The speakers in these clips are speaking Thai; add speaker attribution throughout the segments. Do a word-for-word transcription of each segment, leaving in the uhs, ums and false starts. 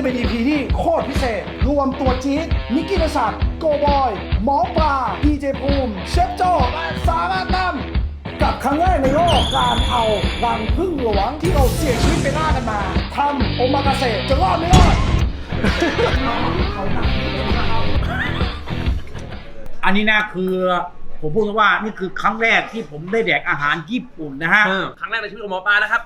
Speaker 1: จะเป็น อี พี ที่โคตรพิเศษรวมตัวจี๊ดนิกกี้นัชัดโกบอยหมอปลาดีเจภูมิเชฟโจ้และสาระตั้มกับครั้งแรกในโลกการเอารังผึ้งหลวงที่เราเสี่ยงชีวิตไปล่ากันมาทำโอมากาเสะจะรอดไม่รอด
Speaker 2: อันนี้นะคือผมพูดว่านี่คือครั้งแรกที่ผมได้แดกอาหารญี่ปุ่นนะฮะ
Speaker 3: ครั้งแรกในชีวิตของหมอปลานะครับ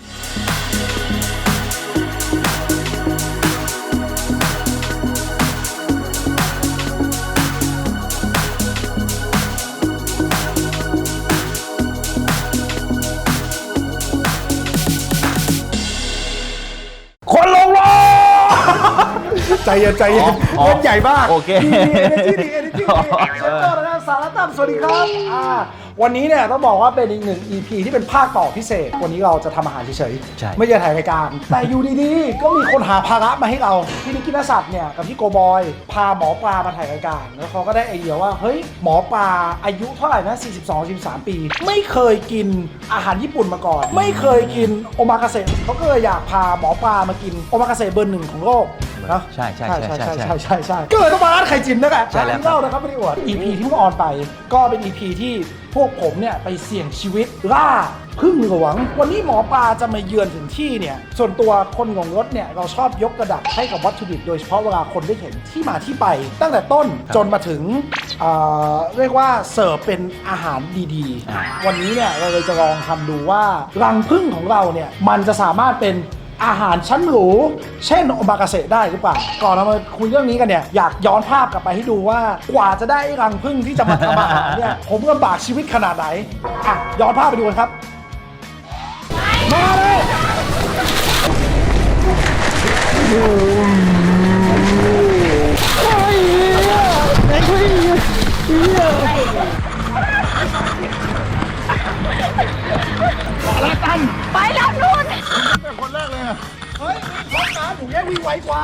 Speaker 2: คนลงรอ
Speaker 1: ใจเย็นใจเย็นเล่นใหญ่มาก
Speaker 2: โอเค
Speaker 1: ดีเอเนจีดีเอเนจีเชฟโจ้และสาระตั้มสวัสดีครับอ่าวันนี้เนี่ยต้องบอกว่าเป็นอีกหนึ่ง อี พี ที่เป็นภาคต่อพิเศษวันนี้เราจะทำอาหารเฉยๆไม่ใช่ถ่ายรายการแต่อยู่ดีๆก็มีคนหาภาระมาให้เราพี่นิกกี้นัชัดเนี่ยกับพี่โกบอยพาหมอปลามาถ่ายรายการแล้วเขาก็ได้ไอเดียว่าเฮ้ยหมอปลาอายุเท่าไหร่นะสี่สิบสอง สี่สิบสามปีไม่เคยกินอาหารญี่ปุ่นมาก่อนไม่เคยกินโอมากาเสะเขาก็เลยอยากพาหมอปลามากินโอมากาเสะเบอร์หนึ่งของโลกนะ
Speaker 2: ใช่ใช่ใช่ใช่
Speaker 1: ใช่ใช่ใช่ใช่ก็เลยต้องมาร้านไข่จินนั่นแหละ
Speaker 2: ใช่แล้ว
Speaker 1: เล่านะครับไม่ได้อวด อี พี ที่เพิ่งออนไปก็เป็น อี พี ที่พวกผมเนี่ยไปเสี่ยงชีวิตล่าผึ้งหลวงวันนี้หมอปลาจะมาเยือนถึงที่เนี่ยส่วนตัวคนของรถเนี่ยเราชอบยกระดับให้กับวัตถุดิบโดยเฉพาะเวลาคนได้เห็นที่มาที่ไป ตั้งแต่ต้นจนมาถึงเอ่อเรียกว่าเสิร์ฟเป็นอาหารดีๆวันนี้เนี่ยเราเลยจะลองทำดูว่ารังผึ้งของเราเนี่ยมันจะสามารถเป็นอาหารชั้นหรูเช่นโอมากาเสะได้หรือเปล่าก่อนเรามาคุยเรื่องนี้กันเนี่ยอยากย้อนภาพกลับไปให้ดูว่ากว่าจะได้รังผึ้งที่จะมาทำอาหารเนี่ยผมลำบากชีวิตขนาดไหนอ่ะย้อนภาพไปดูกันครับมาเลย
Speaker 4: ไปแล้วนู่น
Speaker 1: เป็นคนแรกเลยอ่ะเฮ้ยรถน้ำหนูแย่วิ่งไวกว่า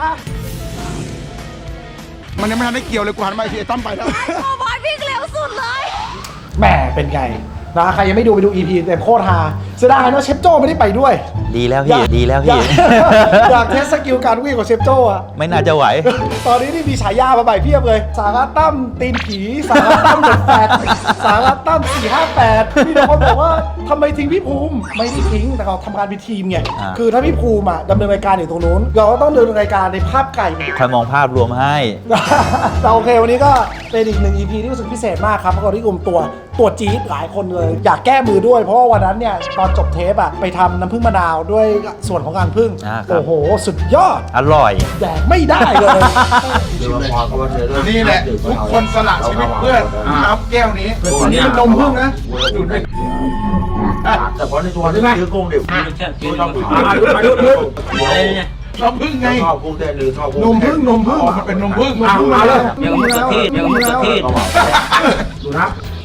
Speaker 5: มันยังไม่ทันได้เกี่ยวเลยกูหันมาทีไอ้ตั้มไปแล้ว
Speaker 4: โอ้บอยวิ่งเร็วสุดเลย
Speaker 1: แหมเป็นไงนะใครยังไม่ดูไปดู อี พี เต็มโคตรฮาเสียดายนะเชฟโจ้ไม่ได้ไปด้วย
Speaker 2: ดีแล้วพี่ดีแล้วพี่
Speaker 1: อยากเทสสกิลการวิ่งของเชฟโจ้อะ
Speaker 2: ไม่น่าจะไหว
Speaker 1: ตอนนี้นี่มีฉายามาใหม่เพียบเลยสาระตั้มตีนผีสาระตั้มเด็ดแปดสาระตั้มสี่ห้าแปดมีแต่คนบอกว่าทำไมทิ้งพี่ภูมิไม่ได้ทิ้งแต่เขาทำงานเป็นทีมไง
Speaker 2: อ่า
Speaker 1: คือถ้าพี่ภูมิอะดำเนินรายการอยู่ตรงนู้นเราก็ต้องดำเนินรายการในภาพไก่
Speaker 2: คอยมองภาพรวมให้
Speaker 1: แต่โอเควันนี้ก็เป็นอีกหนึ่ง อี พี ที่รู้สึกพิเศษมากครับเพราะเราได้รวมตัวตัวจี๊ดหลายคนเลยอยากแก้มือด้วยเพราะว่าวันนั้นเนี่ยตอนจบเทปอะไปทำน้ำผึ้งมะนาวด้วยส่วนของการผึ้ง
Speaker 2: อ่าครับ
Speaker 1: โอ้โหสุดยอด
Speaker 2: อร่อย
Speaker 1: แดกไม่ได้เลย
Speaker 5: นี่แหละทุกคนสละชีวิตเพื่อเอาแก้วนี้นี่เป็นนมพึ่งนะดูดไป
Speaker 6: แต่พอในตัวที่ซื้อกุ้งดิบชอบกุ้ง
Speaker 5: นมพึ่งไง
Speaker 6: ชอบกุ้งเต้นหรือชอบกุ้ง
Speaker 5: นมพึ่งนมพึ่งมันเป็นนมพึ่ง
Speaker 1: เอามาเลย
Speaker 2: เดี๋ยวมันจะเทศเดี๋ยวมันจะเทศ
Speaker 6: ดูนะ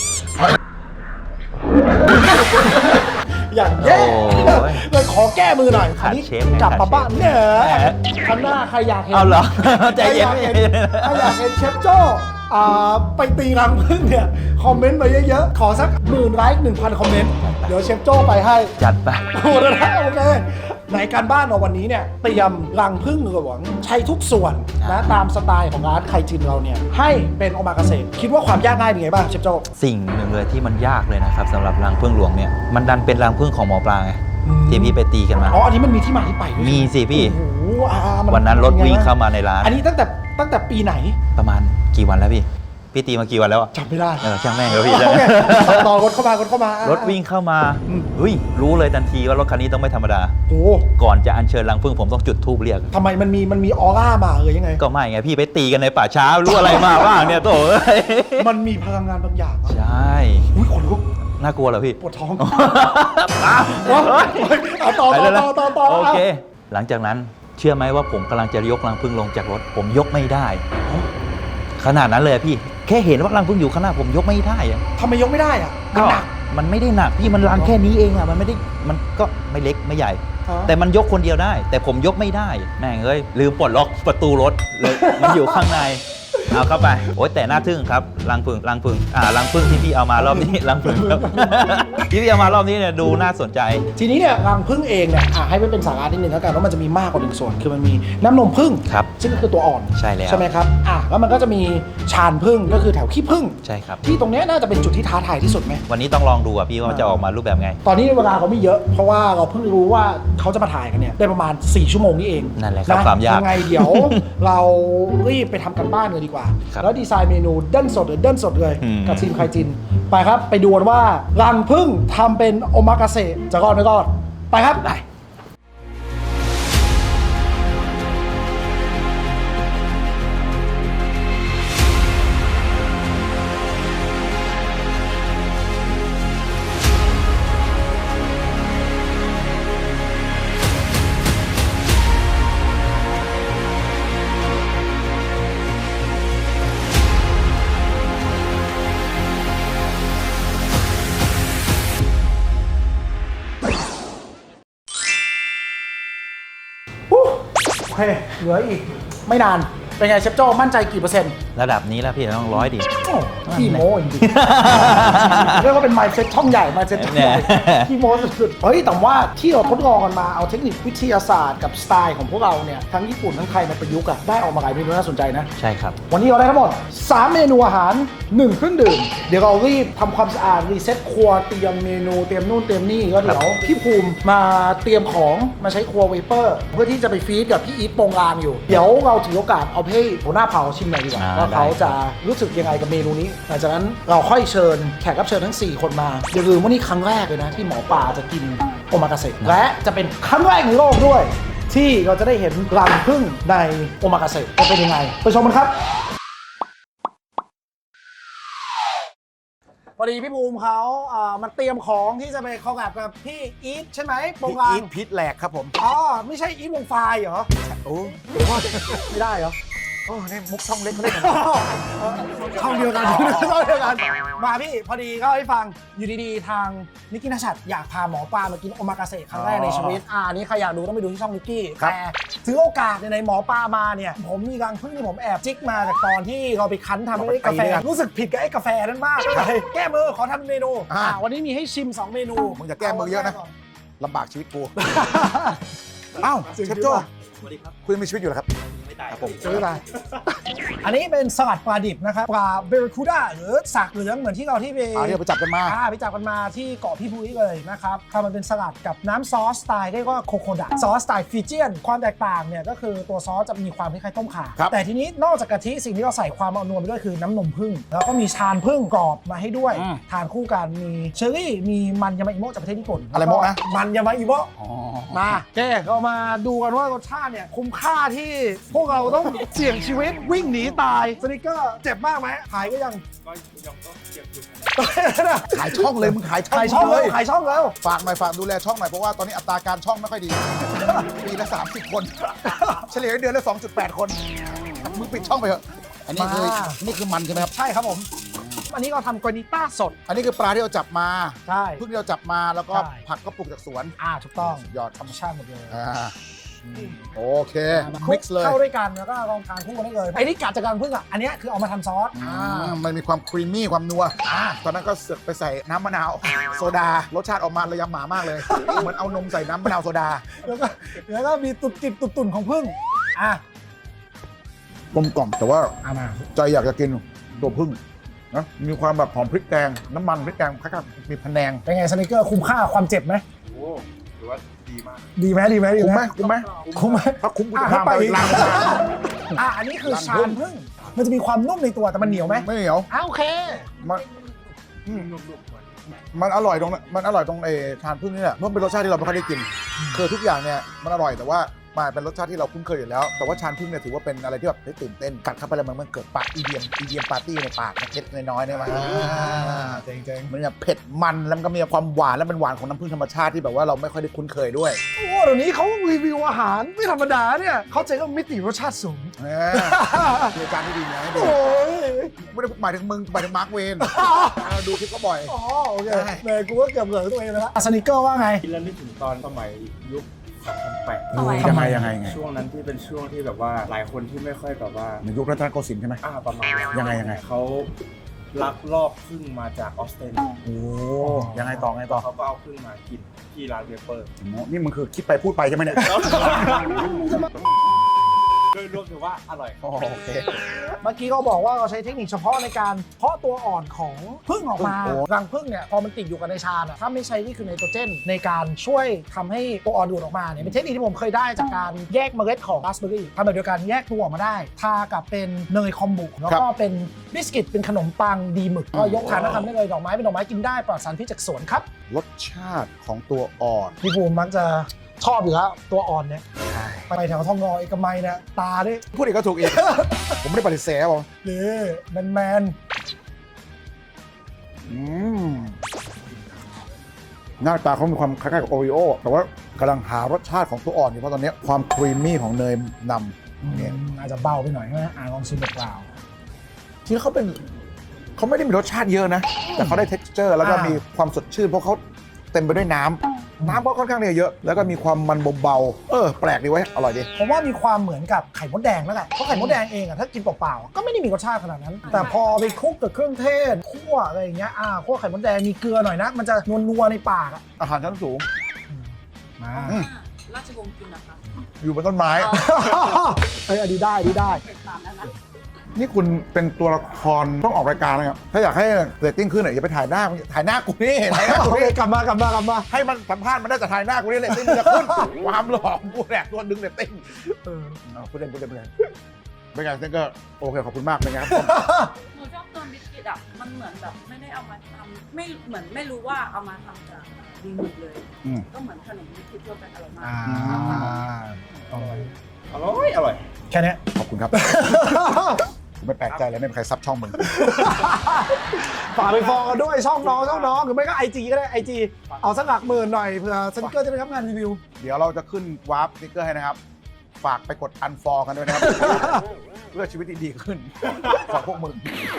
Speaker 1: อย่างแย่
Speaker 2: โอ้ย
Speaker 1: เลยขอแก้มือหน่อยอันนี้
Speaker 2: ขาดเชฟ
Speaker 1: กลับมาบ้านเนี่ย
Speaker 2: แหม
Speaker 1: ครั้งหน้าใครอยากเห็น
Speaker 2: เอาเหรอใจ
Speaker 1: ใครอ
Speaker 2: เย็น
Speaker 1: ยากเห็นใครอยากเห็นเชฟโจ้อ่าไปตีรังผึ้งเนี่ยคอมเมนต์มาเยอะๆขอสักหมื่นไลค์หนึ่งพันคอมเมนต์เดี๋ยวเชฟโจ้ไปให้
Speaker 2: จัดไป
Speaker 1: โอ้โหนะโอเคในการบ้านเราวันนี้เนี่ยเตรียมรังผึ้งหลวงใช้ทุกส่วนนะตามสไตล์ของร้านไคจินเราเนี่ยให้เป็นโอมากาเสะคิดว่าความยากง่ายเป็นไงบ้างเชฟโจ้
Speaker 2: สิ่งหนึ่งเลยที่มันยากเลยนะครับสำหรับรังผึ้งหลวงเนี่ยมันดันเป็นรังผึ้งของหมอปลาไง
Speaker 1: อืม
Speaker 2: ที่พี่ไปตีกันมา
Speaker 1: อ๋ออันนี้มันมีที่มาที่ไปด้วย
Speaker 2: มีสิพี่
Speaker 1: โอ้โหอ่ามั
Speaker 2: วันนั้นรถวิ่งเข้ามาในร้าน
Speaker 1: อันนี้ตั้งแต่ตั้งแต่ปีไหน
Speaker 2: ประมาณกี่วันแล้วพี่ พี่ตีมากี่วันแล้วอะ
Speaker 1: จำไม่ได้
Speaker 2: เออช่างแม่งเลยพี่
Speaker 1: โอเคต่อรถเข้ามารถเข้ามาร
Speaker 2: ถวิ่งเข้ามาเฮ้ยรู้เลยทันทีว่ารถคันนี้ต้องไม่ธรรมดา
Speaker 1: โอ้
Speaker 2: ก่อนจะอัญเชิญรังผึ้งผมต้องจุดธูปเรียก
Speaker 1: ทำไมมันมีมันมีออร่ามาเออยังไง
Speaker 2: ก็ไม่ไงพี่ไปตีกันในป่าช้ารู้อะไรมาบ้างเนี่ยโตเอ้ย
Speaker 1: มันมีพลังงานบางอย่างอะ
Speaker 2: ใช่
Speaker 1: อุ้ยขนลุก
Speaker 2: น่ากลัวเหรอพี่
Speaker 1: ปวดท้องเอาต่อต่อต่อต่อต่อ
Speaker 2: โอเค หลังจากนั้นเชื่อไหมว่าผมกำลังจะยกรังผึ้งลงจากรถ ผมยกไม่ได้ ขนาดนั้นเลยพี่ แค่เห็นว่ารังผึ้งอยู่ข้างหน้าผมยกไม่ได้อะ
Speaker 1: ทำไมยกไม่ได้อะมันหนัก
Speaker 2: มันไม่ได้หนักพี่มันรังแค่นี้เองอะมันไม่ได้มันก็ไม่เล็กไม่ใหญ่ แต่มันยกคนเดียวได้ แต่ผมยกไม่ได้แม่งเอ้ยลืมปลดล็อกประตูรถเลยมันอยู่ข้างในเอาเข้าไปโอ๊ยแต่น่าทึ่งครับรังผึ้งรังผึ้งอ่ารังผึ้งที่พี่เอามารอบนี้ รังผึ้งครับ ที่พี่เอามารอบนี้เนี่ยดูน่าสนใจ
Speaker 1: ทีนี้เนี่ยรังผึ้งเองเนี่ยอ่ะให้ไม่เป็นสาระนิดนึงแล้วกันว่ามันจะมีมากกว่าหนึ่งส่วนคือมันมีน้ำนมผึ้ง
Speaker 2: ครับ
Speaker 1: ซึ่งก็คือตัวอ่อน
Speaker 2: ใช่แล้ว
Speaker 1: ใช่ไหมครับอ่ะแล้วมันก็จะมีชานผึ้งก็คือแถวขี้ผึ้ง
Speaker 2: ใช่ครับ
Speaker 1: ที่ตรงเนี้ยน่าจะเป็นจุดที่ท้าทายที่สุดไหม
Speaker 2: วันนี้ต้องลองดูอ่ะพี่ว่ามันจะออกมารูปแบบไง
Speaker 1: ตอนนี้เวลาเขาไม่เยอะเพราะว่าเราเพิ่งรู้ว่าเขาจะมาถ่ายกันเนี่ยได้ประมาณสี่ชั่วโมงนี่เอง
Speaker 2: นั่นแหละครับความยาก
Speaker 1: ยังไงเดี๋ยว เรารีบไปทำกันบ้านเลยดีกว่า
Speaker 2: ครับ
Speaker 1: แล้วดีไซน์เมนูเด้นสดหรือเด้นสดเลย
Speaker 2: อืม
Speaker 1: กับทีมไคจินไปครับไปดูกันว่ารังผึ้งทำเป็นโอมากาเสะจะรอดไม่รอดไปครับได้ โอเคเหลืออีกไม่นานเป็นไงเชฟโจ้มั่นใจกี่เปอร์เซ็นต์
Speaker 2: ระดับนี้แล้วพี่ต้องร้อยดิ
Speaker 1: โอ้ขี้โม้จริงๆ เรียกว่าเป็น mindset ช่องใหญ่ mindset ช่องใหญ่
Speaker 2: เนี่ย
Speaker 1: ขี้โม้สุดๆเฮ้ยแต่ว่าที่เราทดลองกันมาเอาเทคนิควิทยาศาสตร์กับสไตล์ของพวกเราเนี่ยทั้งญี่ปุ่นทั้งไทยมาประยุกต์อะได้ออกมาหลายเมนูน่าสนใจนะ
Speaker 2: ใช่ครับ
Speaker 1: วันนี้เราได้ทั้งหมดสามเมนูอาหารหนึ่งเครื่องดื่มเดี๋ยวเรารีบทำความสะอาดรีเซ็ตครัวเตรียมเมนูเตรียมนู่นเตรียมนี่ก็เดี๋ยวพี่ภูมิมาเตรียมของมาใช้ครัวเวเปอร์เพื่อที่จะไปฟีดกับพี่อีทโปงลางอยู่เดี๋ยวเราถือโอกาสเอาให้หัวหน้าเผาชิมหน่อยดีกว่า
Speaker 2: อ่า
Speaker 1: ว่าเขา
Speaker 2: ได้
Speaker 1: จะรู้สึกยังไงกับเมนูนี้หลังจากนั้นเราค่อยเชิญแขกรับเชิญทั้งสี่คนมาอย่าลืมว่านี่ครั้งแรกเลยนะที่หมอปลาจะกินโอมากาเสะและจะเป็นครั้งแรกในโลกด้วย ที่เราจะได้เห็นรังผึ้งในโอมากาเสะจะเป็นยังไงไปชมกันครับ พอดีพี่ภูมิเขาอ่ามันเตรียมของที่จะไปคอลแลบกับพี่อีทใช่ไหมโปงลาง
Speaker 5: อีทพิษแหลกครับผม
Speaker 1: อ๋อไม่ใช่อีทวงไฟล์เหรอ
Speaker 5: โอ้
Speaker 1: ไม่ได้เหรอ
Speaker 5: โอ้นี่มุกช่องเล็กเขาเล่นกัน
Speaker 1: ช่องเดียวกันช่องเดียวกันมาพี่พอดีก็ให้ฟังอยู่ดีๆทางนิกกี้นัชัดอยากพาหมอปลามากินโอมากาเสะครั้งแรกในชีวิตอ่านี่ใครอยากดูต้องไปดูที่ช่องนิกกี้แต่ถือโอกาสในหมอปลามาเนี่ยผมมีรังผึ้งที่ผมแอบจิกมาจากตอนที่เราไปคั้นทำไอ้กาแฟรู้สึกผิดกับไอ้กาแฟนั้นมากเลยแก้มือขอทำเมนูอ่าวันนี้มีให้ชิมสองเมนู
Speaker 5: มึงอย่าแก้มือเยอะนะลำบากชีวิตกูเอ้าเชฟโจ้คุณยังมีชีวิตอยู่เหรอครับครับผม
Speaker 1: ซื้อไปอันนี้เป็นสลัดปลาดิบนะครับปลาเบรคูด้าหรือสากเหลืองเหมือนที่เราที่ไป
Speaker 5: อ่าที่เราไปจับกันมา
Speaker 1: อ่าไปจับกันมาที่เกาะพี่พุ้ยเลยนะครับทำมันเป็นสลัดกับน้ำซอสสไตล์เรียกว่าโคโคดะซอสสไตล์ฟิเจียนความแตกต่างเนี่ยก็คือตัวซอสจะมีความคล้ายๆต้มข่า
Speaker 5: ครับ
Speaker 1: แต่ทีนี้นอกจากกะทิสิ่งที่เราใส่ความเอานวลไปด้วยคือน้ำนมผึ้งแล้วก็มีชานผึ้งกรอบมาให้ด้วย
Speaker 5: อืม
Speaker 1: ทานคู่กันมีเชอร์รี่มีมันยามาอิโมะจากประเทศญี่ปุ่น
Speaker 5: อะไรโมะนะ
Speaker 1: มันยามาอิโมะ
Speaker 5: อ๋อ
Speaker 1: มาแกเรามาดูกันว่ารสชาติเนี่ยคุ้มค่าที่พวกเราต้องเสี่ยงชีวิตวิ่งหนีตายสนิกเกอร์เจ็บมากไหมหายก็ยังก็ยังก็เจ็บอยู่
Speaker 5: ขายช่องเลยมึงขายช่อง
Speaker 1: ขายช่อง
Speaker 5: เล
Speaker 1: แล้ว
Speaker 5: ย
Speaker 1: ขายช่องแล้ว
Speaker 5: ฝากหน่อยฝากดูแลช่องหน่อยเพราะว่าตอนนี้อัตราการช่องไม่ค่อยดี ปีละสามสิบคน เฉลี่ยเดือนละสองจุดแปดคนมึงปิดช่องไปเถอะอันนี้คือ
Speaker 1: มา
Speaker 5: นี่คือมันใช่ไหมครับ
Speaker 1: ใช่ครับผม อันนี้เราทำกรานิต้าสด
Speaker 5: อันนี้คือปลาที่เราจับมา
Speaker 1: ใช่
Speaker 5: เพิ่งที่เราจับมาแล้วก็
Speaker 1: ใช่
Speaker 5: ผักก็ปลูกจากสวน
Speaker 1: อ่าถูกต้อง
Speaker 5: ยอด
Speaker 1: ธรรมชาติหมดเลย
Speaker 5: อ่าโอเค
Speaker 1: มา
Speaker 5: มิกซ์เลย
Speaker 1: เข้าด้วยกันแล้วก็ลองทานคู่กันได้เลยไอ้นี่กัดจากการพึ่งอ่ะอันเนี้ยคือเอามาทำซอส
Speaker 5: อื
Speaker 1: อ่าม
Speaker 5: มันมีความครีมมี่ความนัว
Speaker 1: อ่า
Speaker 5: ตอนนั้นก็เสือกไปใส่น้ำมะนาว โซดารสชาติออกมาเลยยำหมามากเลย เหมือนเอานมใส่น้ำมะนาวโซดา
Speaker 1: แล้วก็แล้วก็มีตุดจิตตุดตุ่นของพึ่งอ่ะ
Speaker 5: กลมกล่อมแต่ว่า
Speaker 1: เอามา
Speaker 5: ใจอยากจะกินตัวพึ่งนะมีความแบบหอมพริกแกงน้ำมันพริกแกงคล้ายๆมีพะแนง
Speaker 1: เป็นไงสนิกเกอร์คุ้มค่าความเจ็บไหม
Speaker 6: โอ้ถือว่าดีมาก
Speaker 1: ดีไหมดีไหมดี
Speaker 5: คุ้มไห
Speaker 1: ไห
Speaker 5: ม
Speaker 1: ม
Speaker 5: คุ้มไหม
Speaker 1: คุ้มไหม
Speaker 5: ถ้าคุ้มกู
Speaker 1: อ่ะ
Speaker 5: จะพาไป
Speaker 1: ให้ไป
Speaker 5: ร้าน
Speaker 1: อ่ะอันนี้คือ
Speaker 5: รัง
Speaker 1: ชา
Speaker 5: ผึ้
Speaker 1: น
Speaker 5: ง
Speaker 1: พึ่งมันจะมีความนุ่มในตัวแต่มันเหนียวไหม
Speaker 5: ไม่เหนียว
Speaker 1: อ้าโอเค
Speaker 5: มันอืมมันอร่อยตรงมันอร่อยตรงไอ้ทานพึ่งนี่แหละเพราะมันเป็นรสชาติที่เราไม่ค่อยได้กิน คือทุกอย่างเนี่ยมันอร่อยแต่ว่ามันเป็นรสชาติที่เราคุ้นเคยอยู่แล้ว แต่ว่าชานพึ่งเนี่ยถือว่าเป็นอะไรที่แบบได้ตื่นเต้นกัดเข้าไปแล้วมันมันเกิดปากอีเดียมอีเดียมปาร์ตี้ในปากเล็กๆน้อยๆเนี่ยมัน
Speaker 1: เจ๋งๆ
Speaker 5: มันแบบเผ็ดมันแล้วมันก็มีความหวานแล้วเป็นหวานของน้ำผึ้งธรรมชาติที่แบบว่าเราไม่ค่อยได้คุ้นเคยด้วย
Speaker 1: โอ้เดี๋ยวนี้เขารีวิวอาหารไม่ธรรมดาเนี่ยเขาเจ๊ก็มิติรสชาติสูง
Speaker 5: เออรายการที่ดีนะให้ดี
Speaker 1: โอ้ย
Speaker 5: ไม่ได้หมายถึงมึงหมายถึงมาร์คเวนเราดูคลิปก็บ่อย
Speaker 1: อ๋อโอเค
Speaker 5: ใช่
Speaker 1: เลยกูก็เกือบเหลือตัวเองไปแล้วสนิเกอร์ว่าไง
Speaker 6: กินแล้วนึกถึงตอนสมัยยุค
Speaker 3: สองพันแปด
Speaker 5: เออยังไงยังไงไง
Speaker 3: ช่วงนั้นที่เป็นช่วงที่แบบว่าหลายคนที่ไม่ค่อยแบบว่า
Speaker 5: ในยุครัตนโกสินทร์ใช่ไหม
Speaker 3: อ่าประมาณนั้น
Speaker 5: ยังไงยังไง
Speaker 3: เขาลักลอบพึ่งมาจากออสเตรเลีย
Speaker 5: โอ้ยังไงต่อไงต่อ
Speaker 3: เขาก็เอาพึ่งมากินที่ร้านเวเปอร์
Speaker 5: นี่มันคือคิดไปพูดไปใช่ไหมเนี่ย
Speaker 3: โดยรวมถือว่าอร่อย
Speaker 5: โอเค
Speaker 1: เมื่อกี้ก็บอกว่าเราใช้เทคนิคเฉพาะในการเพาะตัวอ่อนของผึ้งออกมา
Speaker 5: โอ้โห
Speaker 1: รังผึ้งเนี่ยพอมันติดอยู่กับในชาอะถ้าไม่ใช้นี่คือไนโตรเจนในการช่วยทำให้ตัวอ่อนดูดออกมาเนี่ยเป็นเทคนิคที่ผมเคยได้จากการแยกเมล็ดของราสเบอร์รี่ทำแบบเดียวกันแยกตัวออกมาได้ ทากับเป็นเนยคอมบุแล้วก็เป็นบิสกิตเป็นขนมปังดีหมึกก็ยกทานแล้วทำได้เลยดอกไม้เป็นดอกไม้กินได้ปลอดสารพิษจากสวนครับ
Speaker 5: รสชาติของตัวอ่อน
Speaker 1: พี่ภูมิมักจะชอบอยู่แล้วตัวอ่อนเนี่ยไปแถวทองงอเอกมัยเนี่ยตาด้วย
Speaker 5: พูดอีกก็ถูกอีก ผมไม่ได้ปฏิเสธครับผม
Speaker 1: นี่แมนแมน
Speaker 5: อืมหน้าตาเขามีความคล้ายๆกับโอริโอแต่ว่ากำลังหารสชาติของตัวอ่อนอยู่เพราะตอนนี้ความครีมมี่ของเนยนำเนี่ย
Speaker 1: อาจจะเบาไปหน่อยใช่ไหมอ่าลองชิมเปล่า
Speaker 5: จริงๆเขาเป็นเขาไม่ได้มีรสชาติเยอะนะ แต่เขาได้ texture แล้วก็
Speaker 1: อ่ามี
Speaker 5: มีความสดชื่นเพราะเขาเต็มไปด้วยน้ำน้ำก็ค่อนข้างเนี่ยเยอะ แล้วก็มีความมันเบาๆเออแปลกดีไว้ยอร่อยดี
Speaker 1: ผมว่ามีความเหมือนกับไข่มดแดงแล้วแหละเพราะไข่มดแดงเองอะถ้ากินเปล่าๆก็ไม่ได้มีรสชาติขนาดนั้น แต่พอไปคลุกกับเครื่องเทศคั่วอะไรอย่างเงี้ยอ่าคั่วไข่มดแดงมีเกลือหน่อยนะ มันจะนัวๆในปากอะ
Speaker 5: อาหารชั้นสูง
Speaker 1: มา
Speaker 5: อืม
Speaker 4: ราชวงศ์กินนะคะ
Speaker 5: อยู่บนต้นไม้
Speaker 1: เอ้ยอันนี้ได้อันนี้ได้
Speaker 4: เป็นตามนั้นนะ
Speaker 5: นี่คุณเป็นตัวละครต้องออกรายการนะครับถ้าอยากให้เรตติ้งขึ้นอ่ะอย่าไปถ่ายหน้าถ่ายหน้ากูนี่ถ่ายหน้ากู
Speaker 1: โอเค
Speaker 5: นี่
Speaker 1: กลับมากลับมากลับมา
Speaker 5: ให้มันสัมภาษณ์มันได้แต่ถ่ายหน้ากูนี่เรตติ้งมันจะขึ้น ความหล่อของกูแหละตัวดึงเรตติ้ง
Speaker 1: เออ
Speaker 5: เอาพูดเล่นพูดเล่นพูดเล่นเป็นไงเต้นก็โอเคขอบคุณมากเป็นไงครับ
Speaker 4: หนูชอบตัวบิสกิตอ่ะ มันเหมือนแบบไม่ได้เอามาทำไม่เหมือนไม่รู้ว่าเอามาทำจากดีหมึกเลย
Speaker 5: อืม
Speaker 4: ก็เหมือนขนมบิสกิตทั่วไปอร่อยมาก
Speaker 1: อ่า
Speaker 3: อร่อยอร่อย
Speaker 1: แค่เนี้ย
Speaker 5: ขอบคุณครับ กูไม่แปลกใจเลยไม่มีใครซับช่องมึง
Speaker 1: ฝากไปฟอลกันด้วยช่องน้องช่องน้องหรือไม่ก็ไอจีก็ได้ไอจีเอาสักหลักหมื่นหน่อยเผื่อสนิเกอร์จะได้รับงานรีวิว
Speaker 5: เดี๋ยวเราจะขึ้นวาร์ปสติ๊กเกอร์ให้นะครับ ฝากไปกดอันฟอลกันด้วยนะครับ เพื่อชีวิตที่ดีขึ้นของพวกมึง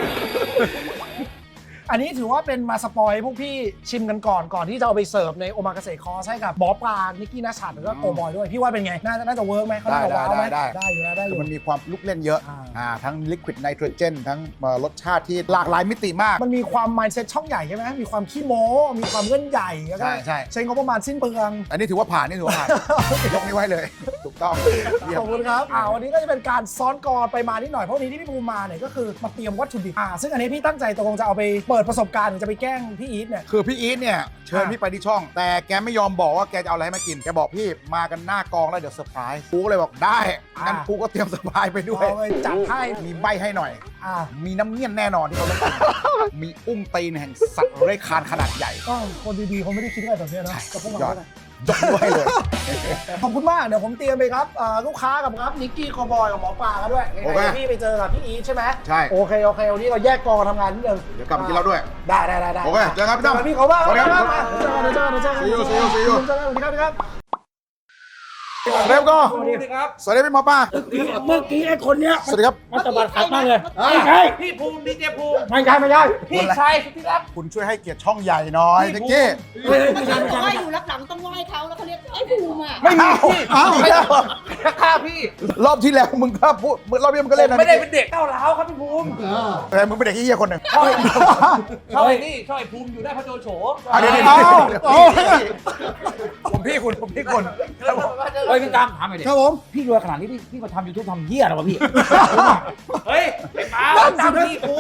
Speaker 1: อันนี้ถือว่าเป็นมาสปอยพวกพี่ชิมกันก่อนก่อนที่จะเอาไปเสิร์ฟในโอมากาเสะคอร์สให้กับหมอปลานิกกี้นัชชัดหรือว่าโกบอยด้วย พี่ว่าเป็นไง น่าจะน่าจะเวิร์กไหมเขาน่าจะว้าวไหม
Speaker 5: ได้ได้
Speaker 1: ได้อยู่นะได้อ
Speaker 5: คื
Speaker 1: ยู่
Speaker 5: อมันมีความลุกเล่นเยอะ
Speaker 1: อ่า
Speaker 5: อ่าทั้งลิควิดไนโตรเจนทั้งเอ่อรสชาติที่หลากหลายมิติมาก
Speaker 1: มันมีความ mindset ช่องใหญ่ใช่ไหมมีความขี้โม้ มีความเงื่อนใหญ่แล้วก็
Speaker 5: ใช่ใช่
Speaker 1: ใช้งบประมาณสิ้นเปลือง
Speaker 5: อันนี้ถือว่าผ่านนี่ถือว่าผ่าน ยกนิ้วให้เลย ถูกต้องเยี่ย
Speaker 1: ข
Speaker 5: ม
Speaker 1: อบคุณครับอ่าวันนี้ก็จะเป็นการซ้อนกรไปมานิดหน่อยเพราะวันนี้ที่พี่ภูมิมาเนี่ยก็คือมาเตรียมวัตถุดิบอ่าซึ่งอันนี้พี่ตั้งใจตกลงจะเอาไปเปิดประสบการณ์หรือจะไปแกล้งพี่อีทเนี่ย
Speaker 5: คือพี่อีทเนี่ยเชิญพี่ไปที่ช่อง แต่แกไม่ยอมบอกว่าแกจะเอาอะไรให้มากิน แกบอกพี่มากันหน้ากองแล้วเดี๋ยวเซอร์ไพรส์กูก็เลยบอกได้งั้น
Speaker 1: อ่า
Speaker 5: กูก็เตรียมเซอร์ไพรส์ไปด้วย
Speaker 1: เอาไปจัดให้
Speaker 5: มีใบให้หน่อย
Speaker 1: อ่า
Speaker 5: มีน้ำเงี้ยนแน่นอนที่เขาต้องการ มีอุ้งตีนแห่งสัตว์เลื้อยคลานขนาดใหญ่
Speaker 1: ก็คนดีๆเขาไม่ได้คิดอะไรแบบเนี้ยนะกับพวกเรา
Speaker 5: ยอด
Speaker 1: เท่าไหร่
Speaker 5: ยกนิ้วให้เลย
Speaker 1: ขอบคุณมาก เดี๋ยวผมเตรียมไปครับเอ่อลูกค้ากับครับนิกกี้คอบอยกับหมอปลากันด้วย
Speaker 5: โอเค
Speaker 1: ยังไงพี่ไปเจอกับพี่อีทใช่ไหม
Speaker 5: ใช่
Speaker 1: โอเคโอเควันนี้เราแยกกองกันทำงานนิดนึง
Speaker 5: เดี๋ยวกลับมากินเหล้าด้วย
Speaker 1: ได้ได้ได้ได้
Speaker 5: โอเคเจอกันพี่ตั้ม
Speaker 1: พี่เขาบ้าง
Speaker 5: สวัสดีครับ
Speaker 1: มาเจอกันเจอกันเจอกัน
Speaker 5: See you see you see you
Speaker 1: เจอกันสวัสดีครับสวัสดีครับ
Speaker 5: เร็วก็
Speaker 1: สวัสดีครับ
Speaker 5: สวัสดีพี่หมอปลา
Speaker 1: เมื่อกี้ไอ้คนเนี้ย
Speaker 5: สวัสดีครับ
Speaker 1: มันตบัดขัดมากเลยไม่ใช่พี่ภูมิดีเจภูมิไม่ใช่ไม่ใช่พี่ชายสุดที่รัก
Speaker 5: คุณช่วยให้เกียรติช่องใหญ่หน่อยเจ๊กี้
Speaker 1: ไม่ใช่ไม่ใช่
Speaker 7: บอก
Speaker 1: ไม่
Speaker 7: ว่า
Speaker 1: ใช่
Speaker 7: อยู่รับหลังต้องไหว้เขาแล้วเขาเรียกไอ้ภูมิอ่ะ
Speaker 5: ไม่มีพี่อ้าวไม่ได้
Speaker 1: ฆ่าพี่
Speaker 5: รอบที่แล้วมึงก็พูดรอบนี้มึงก็เล่นนะ
Speaker 1: ไม่ได้เป็นเด็กก้าวร้าวครับพี่ภูมิ
Speaker 5: แต่มึงเป็นเด็กเฮี้ยคนหนึ่ง
Speaker 1: ชอบชอบไอ้นี่ชอบไอ้ภูมิอยู่ได้พระโจโฉ
Speaker 5: อ่ะเดี๋ยวเดี๋ยว
Speaker 1: เอา
Speaker 5: เดี๋ยว
Speaker 1: เอา
Speaker 5: ผมพี่คุณผมพี่คุณ
Speaker 8: เฮ้ยพี่ตามถามหน่อยดิ
Speaker 1: ครับผม
Speaker 8: พี่รวยขนาดนี้พี่พี่มาทำยูทูบทำเหี้ยอะไรวะพี่
Speaker 1: เฮ้ยไอ้ป้าตามพี่กู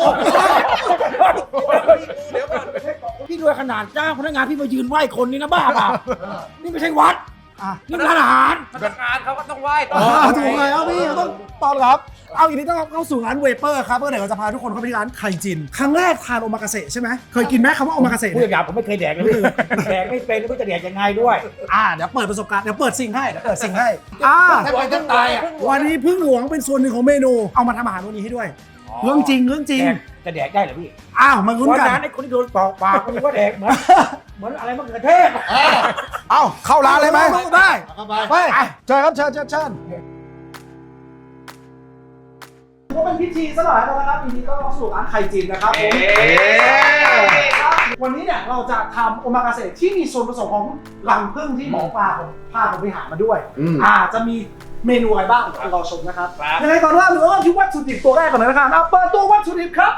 Speaker 8: พี่รวยขนาดจ้างพนักงานพี่มายืนไหว้คนนี่นะบ้าเปล่านี่ไม่ใช่วัด
Speaker 1: อ่ะ
Speaker 8: นี่ร้านอาหาร
Speaker 1: อ๋อถูกเลยเอาพี่ต้องต้อนรับ เอาอย่างนี้ต้องเข้าสู่ร้านเวเปอร์ครับเพื่อเดี๋ยวเราจะพาทุกคนเข้าไปที่ร้านไข่จิน ครั้งแรกทานโอมากาเสะใช่ไหมเคยกินไหมคำว่าโอมากาเสะ
Speaker 8: พูด
Speaker 1: เนี่ย
Speaker 8: หยาบๆผมไม่เคยแดกเลยพี่แดกไม่เป็นไม่รู้จะแดกยังไงด้วย
Speaker 1: อ่าเดี๋ยวเปิดประสบการณ์เดี๋ยวเปิดสิ่งให้เดี๋ยวเปิดสิ่งให้อ่า
Speaker 8: ถ้าไปต้องตายอ่ะ
Speaker 1: วันนี้พึ่งหลวงเป็นส่วนหนึ่งของเมนู เอามาทำอาหารวันนี้ให้ด้วย เรื่องจริงเรื่องจริง
Speaker 8: แดกจะแดกได้เหรอพี่
Speaker 1: อ้าวมาลุ้น
Speaker 8: วัน
Speaker 1: กัน
Speaker 8: นั้นไอ้คนที่โดนตอกปากคนนี้ว่าแดกเหมือนเหมือนอะไรมะเขือเทศ
Speaker 5: เอ้าเข้าร้านเลยไหม
Speaker 1: ได้ไปเชิญครับเชิญเชิญเชิญก็เป็นพิธีซะหน่อยแล้วนะครับทีนี้ก็ต้องสู่ร้านไข่จินนะครับผมวันนี้เนี่ยเราจะทำโอมากาเสะที่มีส่วนผสมของรังผึ้งที่หมอปลาผมพาผมไปหามาด้วยอ่าจะมีเมนูอะไรบ้างรอชมนะครับยังไงก่อนเริ่มเริ่มที่วัตถุดิบตัวแรกก่อนเลยนะครับเอาเปิดตัววัตถุดิบครับ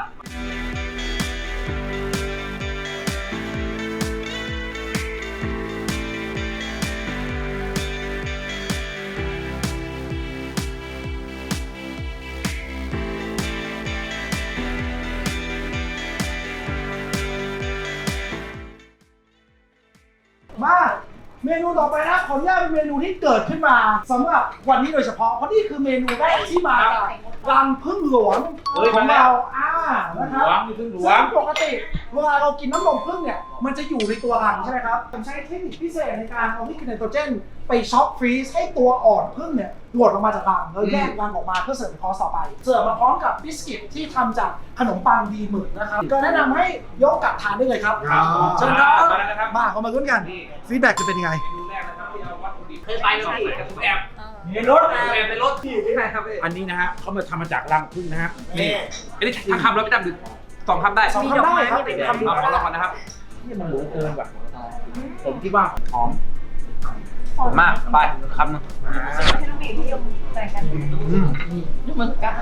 Speaker 1: มาเมนูต่อไปนะขออนุญาตเป็นเมนูที่เกิดขึ้นมาสำหรับวันนี้โดยเฉพาะเพราะนี่คือเมนูแรกที่มาจากรังผึ้งหลวงของเราอ่านะครับซึ่งปกติเวลาเรากินน้ำนมผึ้งเนี่ยมันจะอยู่ในตัวรังใช่ไหมครับผมใช้เทคนิคพิเศษในการเอาลิควิดไนโตรเจนไปช็อคฟรีซให้ตัวอ่อนผึ้งเนี่ยหลุดออกมาจากรังแล้วแยกรังออกมาเพื่อเสิร์ฟในคอร์สต่อไปเสิร์ฟมาพร้อมกับบิสกิตที่ทำจากขนมปังดีหมึกนะครับก็แนะนำให้ยกกลับทานได้เลยครับเชิญครับมาเข้ามาลุ้นกันฟีดแบ็กจะเป็นยังไง
Speaker 8: เคยไปไหมพี่ผมแอบในรถแอบในรถพี่ที่ไหนครับอันนี้นะฮะเขามาทำมาจากรังผึ้งนะฮะนี่อันนี้ทั้งคำแล้วไม่จำดึกสองคำได้
Speaker 1: สองคำได้ครับ
Speaker 8: คำเอาละก่อนนะครับนี่มันหมูเกินว่ะผมคิดว่าหอมหอมมากไปคำนึง
Speaker 4: ให้น้องเมย์ที่ยมแต่งกันมึงกัน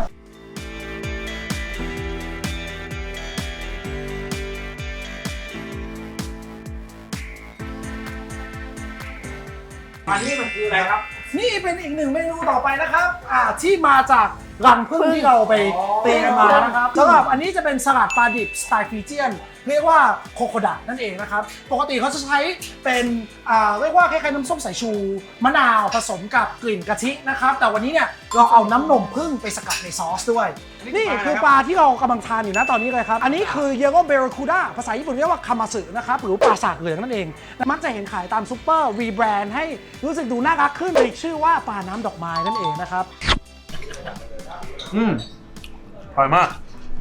Speaker 8: อันนี้มันคืออะไรครับ
Speaker 1: นี่เป็นอีกหนึ่งเมนูต่อไปนะครับอ่าที่มาจากรังผึ้งที่เราไปตีกันมานะครับสำหรับอันนี้จะเป็นสลัดปลาดิบสไตล์ฟิเจียนเรียกว่าโคโคดะนั่นเองนะครับปกติเขาจะใช้เป็นอ่าเรียกว่าคล้ายๆน้ำส้มสายชูมะนาวผสมกับกลิ่นกะทินะครับแต่วันนี้เนี่ยเราเอาน้ำนมผึ้งไปสกัดในซอสด้วยนี่คือปลาที่เรากำลังทานอยู่นะตอนนี้เลยครับอันนี้คือเยโกเบรคูด้าภาษาญี่ปุ่นเรียกว่าคามาสึนะครับหรือปลาสากเหลืองนั่นเองมักจะเห็นขายตามซูเปอร์รีแบรนด์ให้รู้สึกดูน่ารักขึ้นเลยชื่อว่าปลาน้ำดอกไม้นั่นเองนะครับ
Speaker 8: อืมอร่อยมาก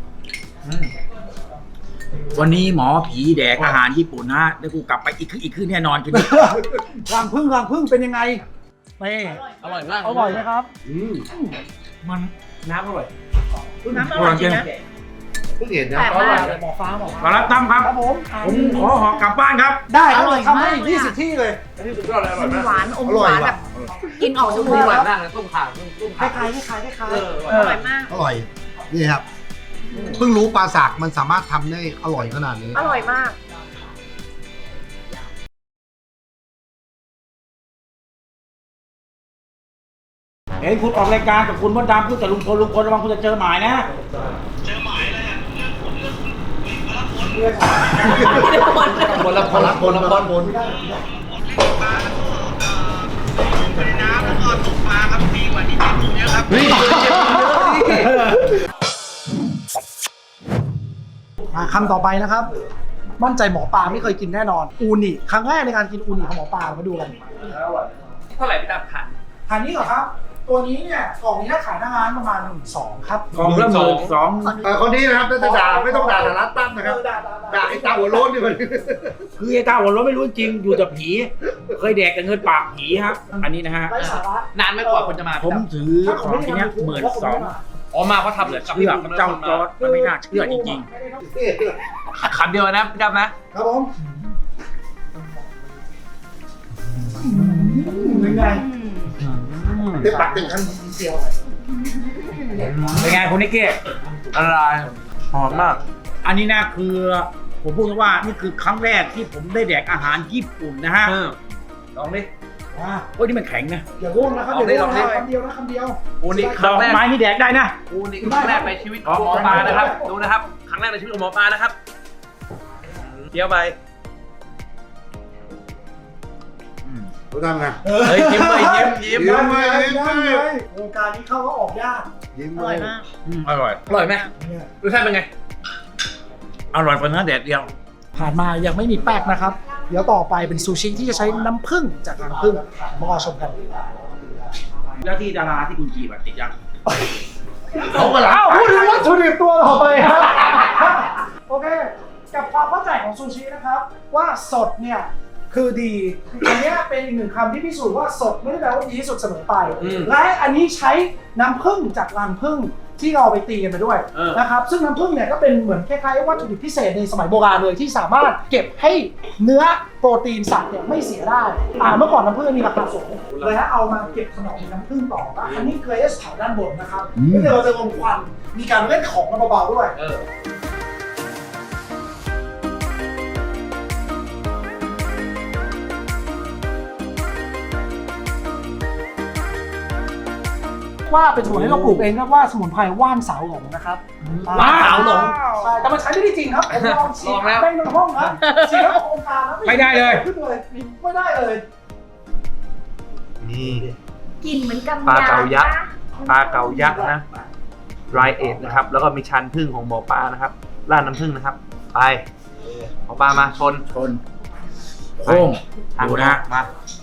Speaker 8: วันนี้หมอผีแดกอาหารญี่ปุ่นนะแล้วกูกลับไปอีกคืนอีกคืนแน่นอนคืนนี้
Speaker 1: รังผึ้งรังผึ้งเป็นยังไงนี่
Speaker 8: อร่อยมาก
Speaker 1: อร่อยไหมครับ
Speaker 8: มันน้ำอร่อย
Speaker 7: น้ำอร่อยจริงนะ
Speaker 6: เพิ่งเห็นนะ
Speaker 7: แต่
Speaker 6: เพราะ
Speaker 7: ว่า
Speaker 6: ว่า
Speaker 1: หมอฟ้าหมอ
Speaker 8: ขอรับตั้มครับ
Speaker 1: ครับผม
Speaker 8: ผมขอหอกลับบ้านครับ
Speaker 1: ได้ครับ
Speaker 7: อร่อย
Speaker 1: ทำให้
Speaker 7: มากเลยอะ
Speaker 1: ยี่สิบที่เลย
Speaker 7: มันหวานอมหวานแบบกินออกจมูก
Speaker 1: หวาน
Speaker 7: อะ
Speaker 1: มากเลยต้มข่าต้มคล้ายคล้ายคล้ายคล้าย
Speaker 7: อร่อยมาก
Speaker 9: อร่อย นี่ครับ เพิ่งรู้ปลาสากมันสามารถทำได้อร่อยขนาดนี้
Speaker 7: อร่อยมาก
Speaker 8: เห็นคุณออกรายการกับคุณมดดำพูดกับลุงพลลุงพลระวังคุณจะเจอหมายนะ
Speaker 6: คนละคนละคนละคนคน
Speaker 1: มาคำต่อไปนะครับ มั่นใจหมอปลาไม่เคยกินแน่นอนอูนิครั้งแรกในการกินอูนิของหมอปลามาดูกัน
Speaker 8: เท่าไหร่พี่ดำขาย
Speaker 1: ทานนี้เหรอครับ ตัวนี้เนี่ยกล่องนี้ถ้าขายหน้าร้านประมาณหนึ่งสองครับ
Speaker 8: กล่องละหมื่นสอง
Speaker 9: เออคนนี้นะครับถ้าจะด่าไม่ต้องด่าแต่ร้านตั้มนะครับ ด่าไอ้ตาหัวโล้นนี่มัน
Speaker 8: คือไอ้ตาหัวเราะไม่รู้จริงอยู่แต่ผี เคยแดกแต่เงินปากผีครับ อันนี้นะฮะ
Speaker 1: ไร้สาระ
Speaker 10: นานไม่กว่าคนจะมา
Speaker 8: ผมถือของที่เนี้ยหมื่นสอง
Speaker 10: อ๋อมาเพราะทำเหลือกับ
Speaker 8: เชื่อเจ้าจอร์ดมันไม่น่าเชื่อจริง
Speaker 10: คำเดียวนะพี่ดำนะ
Speaker 1: ครับผมเป็นไง
Speaker 9: เต็มปากเต็มค
Speaker 1: เสียว
Speaker 8: ๆเป็นไงคุณนิกเก้
Speaker 10: อะไรหอมมาก
Speaker 8: อันนี้นะคือผมพูดว่านี่คือครั้งแรกที่ผมได้แดกอาหารญี่ปุ่นนะฮะ
Speaker 10: เออลองดิ
Speaker 1: อ่า
Speaker 8: โอ้ยนี่มันแข็งนะ
Speaker 1: อย่าร่วงนะครับอย่าร่วงนะคำเดียวนะคำเดียว
Speaker 10: อูนี่ค
Speaker 8: ด
Speaker 10: รั้
Speaker 8: อง ก
Speaker 10: แรก
Speaker 8: ไม้นี่แดกได้นะ
Speaker 10: อูนี่ครั้งแรกในชีวิตของหมอปลานะครับ ดูนะครับ ครั้งแรกในชีวิตของหมอปลานะครับเคี้ยวไป
Speaker 9: ำรู้ทำไง
Speaker 10: เฮ้ยยิ้มเลยยิ้มยิ้ม
Speaker 9: ยิ้มเลยยิ้ม
Speaker 1: ได้
Speaker 9: เลย
Speaker 1: เลยวงการนี้เข้าก็ออกยาก
Speaker 9: ยิ้ม
Speaker 7: อ
Speaker 9: เล
Speaker 7: ร่อย
Speaker 9: ย
Speaker 7: มาก
Speaker 8: อืมอร่อย
Speaker 10: อร่อยไหม
Speaker 1: เนี่ย
Speaker 10: รสชาติเป็นไง
Speaker 8: อร่อยกว่าเนื้อแดดเดียว
Speaker 1: ผ่านมายังไม่มีแป้งนะครับ เดี๋ยวต่อไปเป็นซูชิที่จะใช้น้ำผึ้งจากรังผึ้งมาชมกัน
Speaker 8: แล้วที่ดาราที่คุณจีบอะติดยัง
Speaker 1: เอาไปแล้วพูดถึงวัตถุดิบตัวต่อไปครับ โอเค กับความเข้าใจของซูชินะครับ ว่าสดเนี่ยคือดี อันเนี้ยเป็นอีกหนึ่งคำที่พิสูจน์ว่าสดไม่ได้แปลว่าดีที่สุดเสมอไป และอันนี้ใช้น้ำผึ้งจากรังผึ้งที่เราไปตีกันไปด้วย
Speaker 10: เออ
Speaker 1: นะครับซึ่งน้ำผึ้งเนี่ยก็เป็นเหมือนคล้ายๆวัตถุดิบพิเศษในสมัยโบราณเลยที่สามารถเก็บให้เนื้อโปรตีนสัตว์เนี่ยไม่เสียได้อ่าเมื่อก่อนน้ำผึ้งมีราคาสูงเลยฮะเอามาเก็บขนมน้ำผึ้งต่อว่าอันนี้เกรสแถวด้านบนนะครับเดี๋ยวเราจะลงควันมีการเล่นของกันเบาๆด้วย
Speaker 10: เออ
Speaker 1: ว่าเป็นสมุนที่เราปลูกเองเรียกว่าสมุนไพรว่านสาวหลงนะครับ
Speaker 10: ว่านสาวหลง
Speaker 1: ใช่แต่มันใช้ไม่ได้จริงครับผมลองฉีด
Speaker 10: ลองแล้ว
Speaker 1: ได้ในห้องครับฉีดแล้วขององค์การแล้ว
Speaker 8: ไม่ได้เลย
Speaker 1: ขึ้นเลยไม่ได้เลย
Speaker 10: นี่
Speaker 7: กินเหมือนกับ
Speaker 10: ปลาเก๋ายักษ์ ปลาเก๋ายักษ์นะไรเอทนะครับ แล้วก็มีชันพึ่งของหมอปลานะครับราดน้ำพึ่งนะครับ ไปหมอปลามาชน
Speaker 8: ชนโค้ง
Speaker 10: ทาง
Speaker 8: ดู
Speaker 10: นะ
Speaker 8: นะ
Speaker 10: มา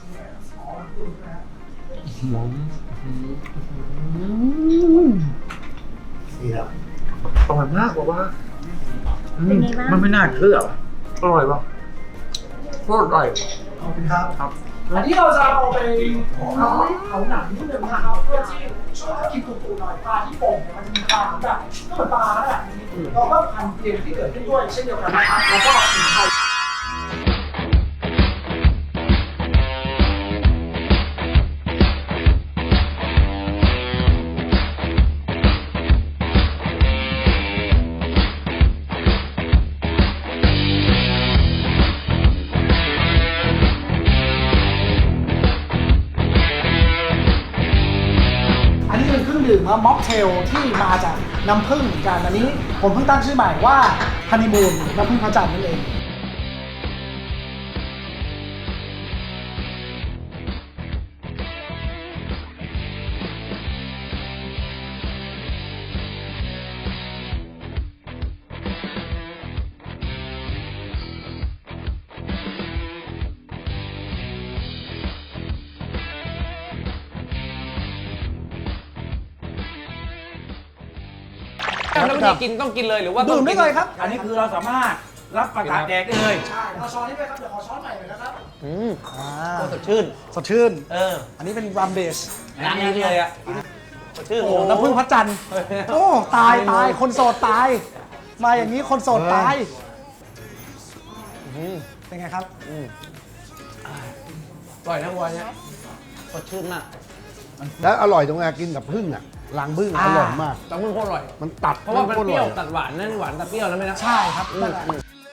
Speaker 10: อร่อยมากบอกว่า
Speaker 7: เป็นไงบ้าง
Speaker 8: มันไม่น่าเชื่อ
Speaker 10: อร่อยป่ะโคตรอร่อย
Speaker 1: ขอบคุณครับครับ อันนี้เราจะเอาไปเอาเอาหนังนิดนึงนะครับเพื่อที่ช่วยให้กินตุ่ๆหน่อยปลาที่โป่งเนี่ยมันจะมีปลาแบบก็เหมือนปลาแล้วแหละเราก็พันเกลียนที่เกิดขึ้นด้วยเช่นเดียวกันนะครับแล้วก็สมุนไพร อันนี้เป็นเครื่องดื่มว่าม็อกเทลที่มาจากน้ำผึ้งเหมือนกันอันนี้ผมเพิ่งตั้งชื่อใหม่ว่าฮันนีมูนน้ำผึ้งพระจันทร์นั่นเอง
Speaker 10: แล้ววิธีกินต้องกินเลยหรือว่า
Speaker 1: ดื่มได้เลยครับ
Speaker 8: อันนี้คือเราสามารถรับประทานแดกได้เลย
Speaker 1: ใช่เอาช้อนนี้ไปครับเดี๋ยวขอช้อนใหม่หน่อยนะครับ
Speaker 10: อืม
Speaker 1: อ่า
Speaker 10: สดชื่น
Speaker 1: สดชื่น
Speaker 10: เออ
Speaker 1: อันนี้เป็นรัมเบส
Speaker 10: ร้านนี้เลยอ่ะสดชื่น
Speaker 1: โอ้น้ำผึ้งพระจันทร์โอ้ตายตายคนโสดตาย มาอย่างนี้คนโสดตายเป็นไงครับ
Speaker 10: อร่อยนะวัวเนี่ยสดชื่นมาก
Speaker 9: แล้วอร่อยตรงไหนกินกับพึ่งอ่ะรังพึ่งอร่อยมาก
Speaker 10: ต้องมึงโคตรอร่อย
Speaker 9: มันตัด
Speaker 10: เพราะว่ามัน
Speaker 9: โคต
Speaker 10: เปรี้ยว
Speaker 9: ออ
Speaker 10: ตัดหวานนั่นหวานตัดเปรี้ยวแล้วไหมนะ
Speaker 1: ใช่ครับนั่นแหละ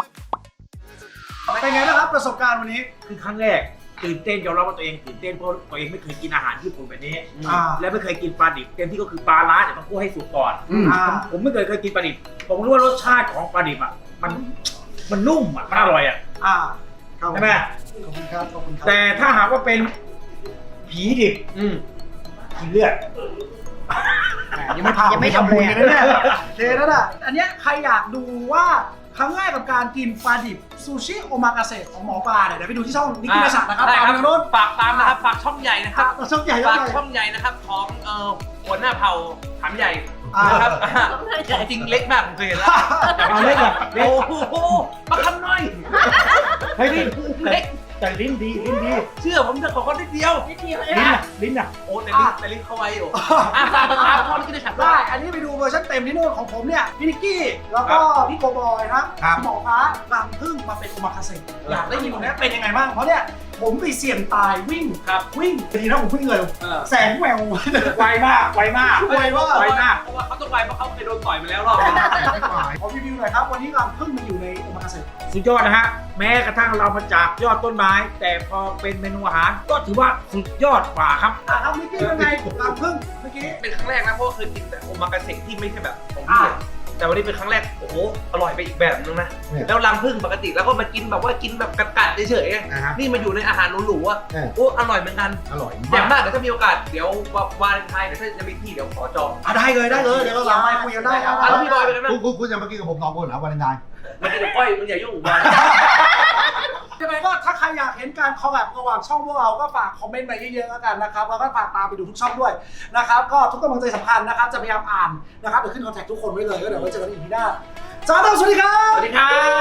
Speaker 1: เป็นไงนะครับประสบการณ์วันนี้
Speaker 8: คือครั้งแรกตื่นเต้นยอมรับว่าตัวเองตื่นเต้นเพราะตัวเองไม่เคยกินอาหารญี่ปุ่นแบบนี้
Speaker 1: อ่า
Speaker 8: และไม่เคยกินปลาดิบเต็มที่ก็คือปลาล้าเดี๋ยวต้องคั่วให้สุกก่อน
Speaker 1: อ่า
Speaker 8: ผมไม่เคยเคยกินปลาดิบผมรู้ว่ารสชาติของปลาดิบอ่ะมันมันนุ่มอ่ะมันอร่อยอ่ะ
Speaker 1: อ่าครับ
Speaker 8: ใช่ไหม
Speaker 1: ขอบคุณครับขอบคุณครับ
Speaker 8: แต่ถ้าหากว่าเป็นผีดิบ
Speaker 10: อืม
Speaker 8: กินเลือด
Speaker 1: ยังไม่พายังไม่ทำบุญกันนะเนี่ยโอเคนั่นแหละอันเนี้ยใครอยากดูว่าครั้งแรกกับการกินปลาดิบซูชิโอมากาเสะของหมอปลาเนี่ยเดี๋ยวไปดูที่ช่องนิกกี้นัสนะครับ
Speaker 10: ได้
Speaker 1: ตาม
Speaker 10: ครับ
Speaker 1: ทางโน้น
Speaker 10: ฝากตามนะครับ ฝากช่องใหญ่นะครับ
Speaker 1: ช่องใหญ่ช่อ
Speaker 10: ฝาง ก
Speaker 1: ใหญ่
Speaker 10: ช่องใหญ่นะครับของเอ่อหัวหน้าเผ่าถามใหญ่
Speaker 1: อ่าน
Speaker 10: นะครับของจริงเล็กมากผมเคยเห็นแล้ว
Speaker 8: เอาเล็กเหรอเล็ก
Speaker 10: โอ้โหมาคำน้อย
Speaker 8: เฮ้ยลิ้น
Speaker 10: เล็ก
Speaker 8: แต่ลิ้นดีลิ้นดี
Speaker 10: เชื่อผมจะขอคนนิดเดียว
Speaker 4: นิดเดียว
Speaker 8: ลิ้นอ่ะลิ้นอ่ะ
Speaker 10: โอ้แต่ลิ้นแต่ลิ้นเขาไวอยู่อ่ะฝากติดตามช่องนี้ได้ฉับ
Speaker 1: ได้
Speaker 10: ได้
Speaker 1: อันนี้ไปดูเวอร์ชันเต็มที่นู่นของผมเนี่ยพี่นิกกี้แล้วก็พี่โกบอยครับ
Speaker 8: ครับ
Speaker 1: หมอฟ้ารังพึ่งมาเป็นโอมากาเสะอยากได้ยินตรงนี้เป็นยังไงบ้างเพราะเนี่ยผมไปเสี่ยงตายวิ่ง
Speaker 10: ครับ
Speaker 1: วิ่งดีนะผมวิ่งเร็ว
Speaker 10: เออ
Speaker 1: แสงแวว
Speaker 8: ไวมากไวมาก
Speaker 1: ไวมาก
Speaker 8: ไวมาก
Speaker 10: เพราะว่าเขาต้องไวเพราะเขาเคยโดนต่อยมาแล้วรอบนึง
Speaker 1: ขอรีวิวหน่อยครับวันนี้รังพึ่งมาอยู่ในโอมากาเสะ
Speaker 8: สุดยอดนะฮะ แม้กระทั่งเรามาจากยอดต้นไม้ แต่พอเป็นเมนูอาหาร ก็ถือว่าสุดยอดกว่าครับ
Speaker 1: อ่ะครับนิกกี้เป็นไงรังพึ่งเมื่อกี้
Speaker 10: เป็นครั้งแรกนะเพราะว่าเคยกินแต่โอมากาเสะที่ไม่ใช่แบบของพี่อะแต่วันนี้เป็นครั้งแรกโอ้โหอร่อยไปอีกแบบนึงนะแล้วรังผึ้งปกติแล้วก็มากินแบบว่ากินแบบกัดๆเฉยๆไง
Speaker 9: นะฮะ
Speaker 10: นี่มาอยู่ในอาหารหรูๆอ่ะ
Speaker 9: เออ
Speaker 10: โอ้อร่อยเหมือนกัน
Speaker 9: อร่อย
Speaker 10: แต่
Speaker 9: มาก
Speaker 10: มากเดี๋ยวถ้ามีโอกาสเดี๋ยววาเลนไทน์เดี๋ยวถ้าจะมีที่เดี๋ยวขอจอง
Speaker 1: อ่ะได้เลยได้เลยเดี๋ยวเราหลังไมค์คุยกันได้ครับ
Speaker 10: อ่ะแล้วพี่บอยเป็นไงบ้าง
Speaker 9: คุณคุณคุณจะมากินกับผมสองคนเหรอวาเลนไทน์
Speaker 10: มันจะเดี๋ยวก้อยมึงอย่ายุ่งกับบอย
Speaker 1: ยังไงก็ถ้าใครอยากเห็นการคอลแลบระหว่างช่องพวกเราก็ฝากคอมเมนต์มาเยอะๆแล้วกันนะครับแล้วก็ฝากตามไปดูทุกช่องด้วยนะครับก็ทุกกำลังใจสำคัญนะครับจะพยายามอ่านนะครับเดี๋ยวขึ้นคอนแทคทุกคนไว้เลยก็เดี๋ยวไว้เจอกันอีกทีหน้าจ้าดาวสวัสดีครับ
Speaker 10: สวัสดีครับ